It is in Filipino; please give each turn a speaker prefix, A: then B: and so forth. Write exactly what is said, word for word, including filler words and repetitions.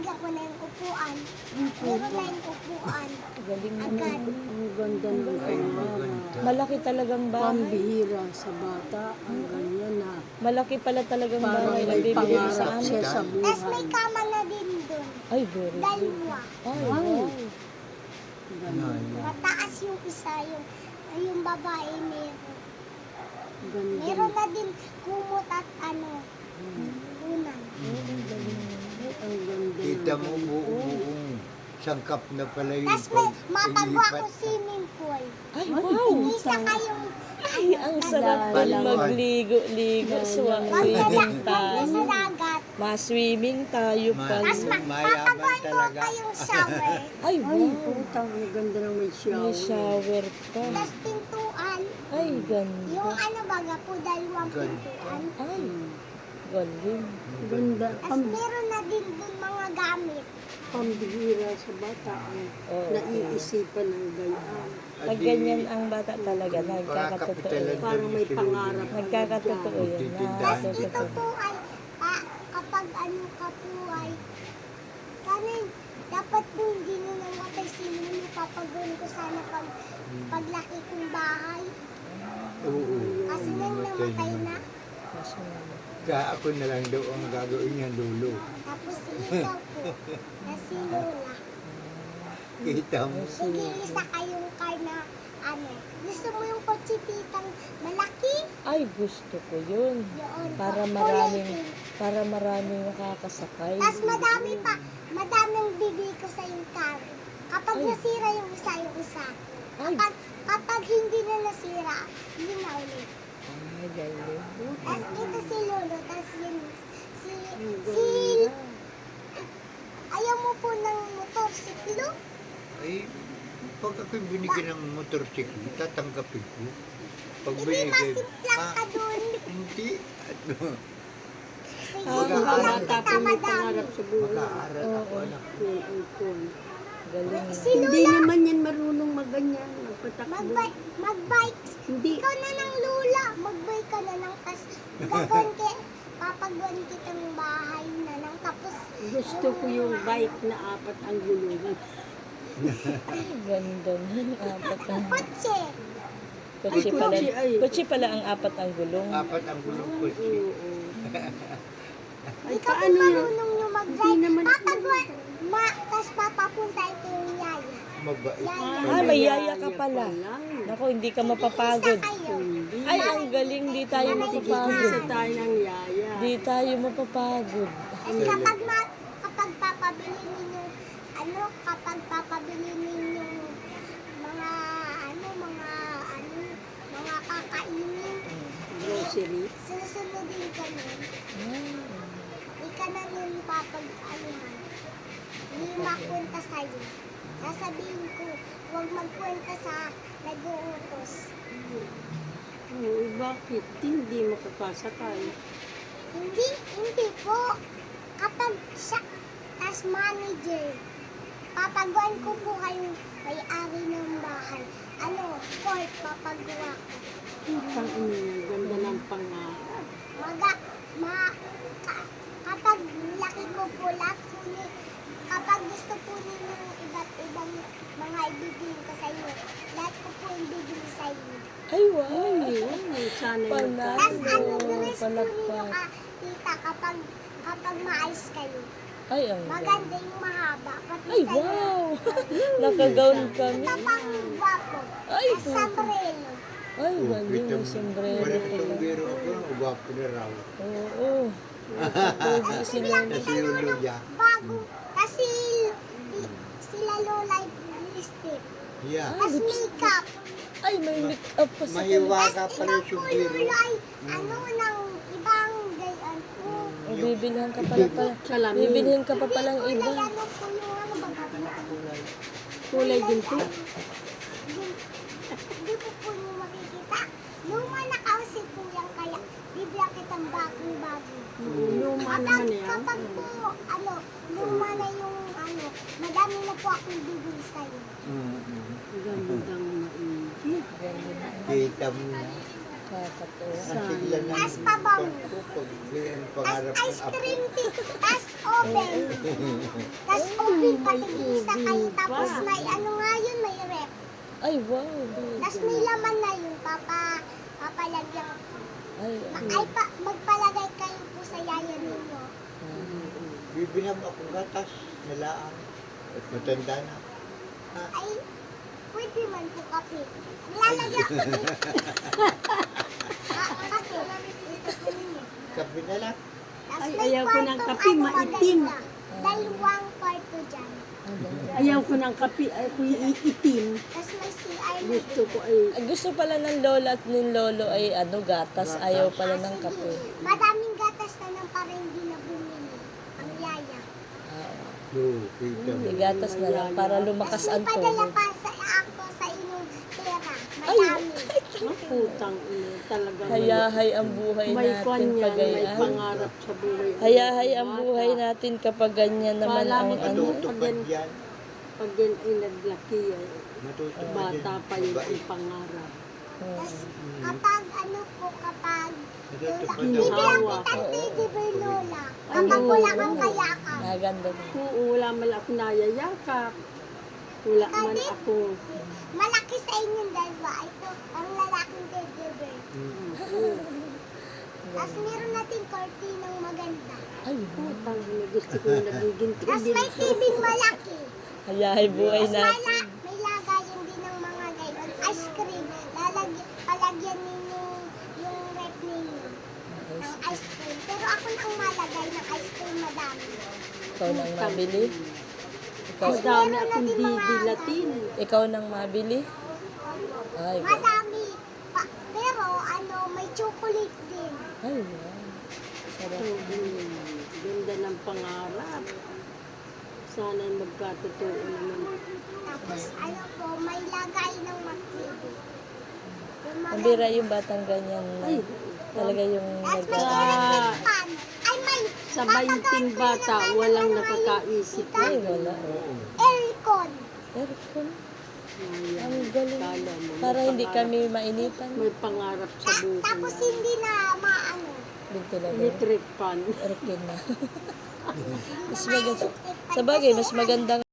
A: nilagyan ko na yung upuan. Meron na yung upuan.
B: Galing mo.
A: Agad.
C: Ang ganda ng
D: Ay,
C: pangarap.
D: maganda.
B: Malaki talagang bahay.
C: Pambihira sa bata. Ang ganyan na.
B: Malaki pala talagang
C: Parang
B: bahay na
C: may
B: bibili mo sa
C: pangarap siya
B: amin.
C: sa
A: Tapos may
C: buhay.
A: kama na din doon.
B: Ay, very good.
A: Dalawa.
B: Ay,
C: Ay.
B: wow.
C: Ganun.
A: Mataas yung isa, yung, yung babae meron.
C: Ganda.
A: Meron na din kumot at ano, unan.
C: Ang ganda.
D: Kita
C: ng
D: mo
C: ganito.
D: buong-buong sangkap na pala yung
A: Tapos may
D: pag-
A: mapagawa ko
D: paglipat.
A: swimming pool.
B: Ay,
C: Ay,
B: wow.
A: Isa kayong
B: Ay, ang sarap
C: Dalawa.
B: din magligo-ligo. Swa, swimming tayo.
A: sa dagat.
B: Ma-swimming tayo
D: Ma-
B: pala.
A: Tapos ma-
D: Mayaman
A: papagawa ko
D: talaga.
A: kayong shower.
B: Ay,
C: Ay,
B: wow.
C: putang, ang ganda ng may shower.
B: May shower pa.
A: Tapos pintuan.
B: Ay,
A: Yung
B: ganda.
A: ano baga po, dalawang
D: Ganda.
A: pintuan.
B: Ay,
C: Hmm.
B: galing.
C: Ganda.
A: Tapos
C: Pam,
A: meron na din dun mga gamit.
C: pambihira sa bata. Ang
B: Oo.
C: naiisipan ng ganyan.
B: Pag ganyan ang bata talaga, nagkakatotoo
D: Pakakapitalan
B: yan.
C: Parang may
D: si Lolo.
C: pangarap.
B: Nagkakatotoo yan.
D: Magtitindahan.
A: Tapos ito
B: Nakakatotoo.
A: po ay, pa, kapag ano ka po ay, sana dapat po hindi nyo namatay si Lulu. Papagawin ko sana pag, paglaki kong bahay.
D: Oo.
A: Kasi nang namatay na.
B: Kaso naman.
D: Kaya ako na lang daw ang gagawin niya, Lolo.
A: Tapos ikaw po, na si Lola.
D: Kita mo.
A: Igilisa kayong car na ano. Gusto mo yung kotse titang malaki?
B: Ay, gusto ko yun.
A: Yun.
B: Para
A: Kulay
B: maraming,
A: pink.
B: para maraming nakakasakay.
A: Tapos madami pa, madaming bibili ko sa yung car. Kapag
B: Ay.
A: nasira yung isa, yung isa.
B: Ay,
A: Kapag, kapag hindi na nasira, yun na ulit.
B: ay, galing.
A: Tapos ito si Lolo, tapos yun, si,
C: Ang
A: si,
C: ganda.
A: ayaw mo po ng motorsiklo?
D: Ay, pag ako'y binigyan ng motorsiklo, tatanggapin ko. Pag
A: Hindi
D: binigay,
A: masimplang ka
D: ah,
A: dun.
D: hindi. Ano,
A: Sige,
B: Ah,
A: wala
D: mag-aaral.
C: Bata
A: kita
C: po may
A: madami.
C: pangarap sa buhay.
D: mag-aaral ako,
B: Oo.
D: anak.
C: Cool, cool, cool.
B: Galing.
A: Si
C: Hindi
A: Lola,
C: naman yan marunong magganyan. Magpatakbo.
A: magbike, magbike.
C: Hindi.
A: Ikaw na ng Lula, magbike ka na ng tas gagawin ki, papagawan kitang bahay na lang. Tapos,
C: Gusto ko yung bike na apat ang gulong.
B: Ay, ganda nun. Apat ang
A: kotse.
B: kotse
C: Ay,
B: pala.
C: kotse, ay.
B: Kotse pala ang apat ang gulong.
D: Apat ang gulong ko siya.
C: Oo. Ay,
A: Hindi ka po
C: paano yun?
A: marunong yung
C: Hindi
A: mag-drive.
C: naman ako
A: Papagawan, ma, tas papapunta ito yung yaya.
D: Mabait.
A: Yaya.
B: Ah, may yaya ka pala.
C: pala.
B: Naku, hindi ka mapapagod.
A: Isa kayo.
C: Hindi.
B: Ay, ang galing. Di tayo
C: Isa
B: mapapagod.
C: tayo ng yaya.
B: Di tayo mapapagod.
A: Tapos kapag, ma, kapag papabili ninyo, ano, kapag papabili ninyo mga, ano, mga, ano, mga kakainin,
C: Grocery.
A: susunodin ka nun.
B: Ah,
A: Di ka na nun papag-anuhan. Hindi makwenta sa'yo. Sasabihin ko, huwag magkwenta sa nag-uutos.
C: Oo, bakit? Hindi makakasakay.
A: Hindi, hindi po. Kapag siya, tas manager, papagawan ko po kayong may-ari ng bahay. Ano, court, papagawa ko.
C: Ang ina, ganda ng pangarap.
A: Maga, ma, ka, kapag laki ko po lahat po ni, kapag gusto po ninyo ng iba't ibang mga ibibigay ko sa inyo, lahat ko po yung bibili sa inyo.
B: ay, wow.
C: Ay, ay, sana yung
B: Panalo.
A: Tas ano,
B: Oo,
A: dress po ninyo
B: palakpak.
A: ka, tita, kapag, kapag maayos kayo.
B: Ay, ang galing.
A: Maganda yung mahaba. Pati
B: Ay,
A: sa'yo.
B: wow. Nakagown kami.
A: Ito pang gwapo.
B: Ay,
A: At sombrero.
B: Ay, galing. May sombrero
D: Wala
B: pala.
D: sombrero ako, uwapo na raw.
B: Oo. Pogi si
A: Biglang
B: Lolo.
A: kita
D: Si Lolo
A: Lolo
D: niya.
A: bago. Kasi i- sila Lola lipstick.
D: Yeah.
A: Tapos makeup.
B: Ay, may make-up pa sa
D: May
B: kanila.
D: waga
A: Tapos
D: pala
A: ikaw
D: yung
A: po
D: sombrero.
A: Lolo ay ano ng ibang gayan po.
B: O, bibilhan ka pala pala.
C: Salamin.
B: Bibilhin ka pa palang
A: Kulay
B: iba.
A: ano po yung ano baga.
C: Kulay ginto.
A: Hindi po po nyo makikita. Luma na kasi po yan kaya bibigyan kitang bagong bago.
C: Luma
A: Kapag,
C: naman yan.
A: kapag po, ano, luma na yung, ano, madami na po akong bibili sa'yo.
D: Mm-mm.
C: Gandang maigi.
D: Kita mo na.
B: Nakakatuwa.
C: Sa-
D: Tiglan ng
A: Tas pabango.
D: ko pag yan
A: Tas
D: pangarap ng
A: ice
D: apo.
A: cream tea. Tas oven. Tas oven pati isa kayo. Tapos may ano nga yun, may rep.
B: Ay, wow. babe.
A: Tas may laman na yun, papa. Papalagyan ko.
B: Ay,
A: Ma-
B: ay.
A: Ay, pa, magpalagay kayo po sa yaya ninyo.
D: Bibinam akong gatas, nalaan. At matanda na.
A: Ay, pwede man po kape. Nilalagyan ko din. Ah, kape. Ito po ninyo.
D: Kape na lang.
A: Tas
C: Ay,
A: may
C: ayaw ko ng
A: kwartong
C: kape,
A: ano,
C: maitim.
A: maganda. Dalawang kwarto dyan.
C: Ayaw ko ng kape, ay ko iitim.
A: Tas may C R na
C: Gusto
A: din.
C: ko ay
B: Ang gusto pala ng lola at ng lolo ay ano, gatas. Ayaw pala ng
A: Ah,
B: kape.
A: sige. Madaming gatas na lang para hindi na bumili. Ang yaya.
B: Ah,
D: No, kita mo.
B: may gatas na lang para lumakas
A: Tas may
B: ang
A: padala
B: tubig.
A: pa sa ako sa inyong pera.
B: Ay,
A: Madami.
C: ang putang ina talaga.
B: Hayahay ang buhay
C: may kwan
B: natin
C: yan,
B: pag
C: may
B: ganyan.
C: pangarap sa buhay.
B: Hayahay ang buhay natin kapag ganyan naman
C: Kala
B: ang
C: mo
B: ano.
D: Matutupad yan.
C: Pag yan ay naglaki ay
D: Matutupad
C: bata
D: yan.
C: pa yun
D: Mabait.
C: ang pangarap.
A: Tas
B: Mm.
A: kapag ano po, kapag Lola,
D: Matutupad
A: bibilang
D: ang
C: Hawa.
A: kitang teddy bear, Lola.
C: Ay,
A: Kapag wala
C: oo.
A: kang kayakap.
B: Maganda na.
C: Oo, wala man ako nayayakap. Wala man
A: Kadit.
C: ako.
A: Malaki sa inyong dalawa. Ito, ang lalaking teddy bear.
D: Mm.
C: Oo.
A: Tapos meron natin kortinang maganda.
B: Ay,
C: Putang ina, gusto ko yung nagiging
A: Tapos may T V malaki.
B: hayahay buhay
A: Tapos may,
B: natin.
A: la, may lagayan din ng mga gayon. Ice cream. Lalagyan, palagyan ninyo yung rep ninyo ng ice cream. Pero ako na ang malagay ng ice cream madami.
B: Ikaw nang mabili. Ikaw,
C: Ang dami akong didilatin.
B: ikaw nang mabili. Ay, ba-
A: Madami. Pa, pero ano, may chocolate din.
B: ay, wow. Sarap.
C: Hmm, ganda ng pangarap. Sana'y magkatotoo naman.
A: Tapos ano po, may lagay ng mag-baby. Yung mga-
B: Ang bira yung batang ganyan na
C: Ay,
B: talaga yung
A: Tapos may
B: nag-
A: electric fan. Ay, may
C: sa bainting bata, walang nakakaisip.
B: Ay, wala.
D: Oo.
A: aircon.
B: Aircon.
C: Ayan.
B: Ang galing.
C: Kala mo, may
B: Para hindi
C: pangarap-
B: kami mainitan.
C: May pangarap sa
A: Ta-
C: buhay.
A: tapos hindi na maano.
B: Ventilador.
C: Electric fan.
B: Aircon na.
A: Hindi
B: Mas
A: na
B: maganda.
A: ma-electric fan
B: Sa bagay,
A: kasi
B: mas magandang